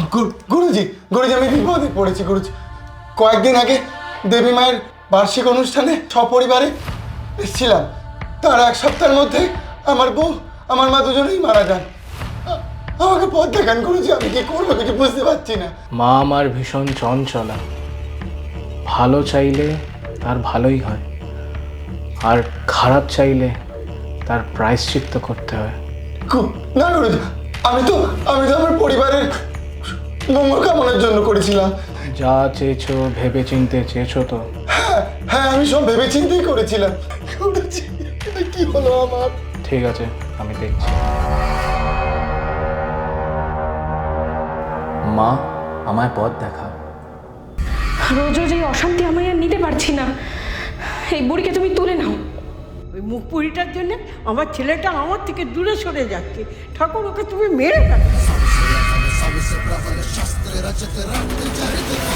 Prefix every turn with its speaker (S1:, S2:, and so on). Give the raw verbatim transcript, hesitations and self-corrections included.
S1: গুরুজি গুরুজি আমি বিপদে পড়েছি গুরুজি। কয়েকদিন আগে দেবী মায়ের বার্ষিক অনুষ্ঠানে সপরিবারে এসেছিলাম। তার এক সপ্তাহের মধ্যে আমার বউ আমার মা দুজনেই মারা যান। আ- আমাকে পথ দেখান গুরুজি, আমি কি করবো কিছু বুঝতে পারছি না।
S2: মা আমার ভীষণ চঞ্চলা, ভালো চাইলে তার ভালোই হয়, আর খারাপ চাইলে তার প্রায়শ্চিত্ত করতে হয়।
S1: গু- না গুরুজি, আমি তো আমি তো আমার পরিবারের মঙ্গল কামনার জন্য করেছিলাম।
S2: যা চেয়েছো ভেবে চিনতে চেয়েছো তো?
S1: হ্যাঁ হ্যাঁ আমি সব ভেবে চিন্তেই করেছিলাম। গুরুজি এটা কি হলো আমার?
S2: ঠিক আছে, আমি দেখছি। মা, আমায় পথ দেখা।
S3: রোজ রোজ এই অশান্তি আমি আর নিতে পারছি না। এই বুড়িকে তুমি তুলে নাও।
S4: ওই মুখ পুরিটার জন্য আমার ছেলেটা আমার থেকে দূরে সরে যাচ্ছে। ঠাকুর ওকে তুমি মেরে ফেলো।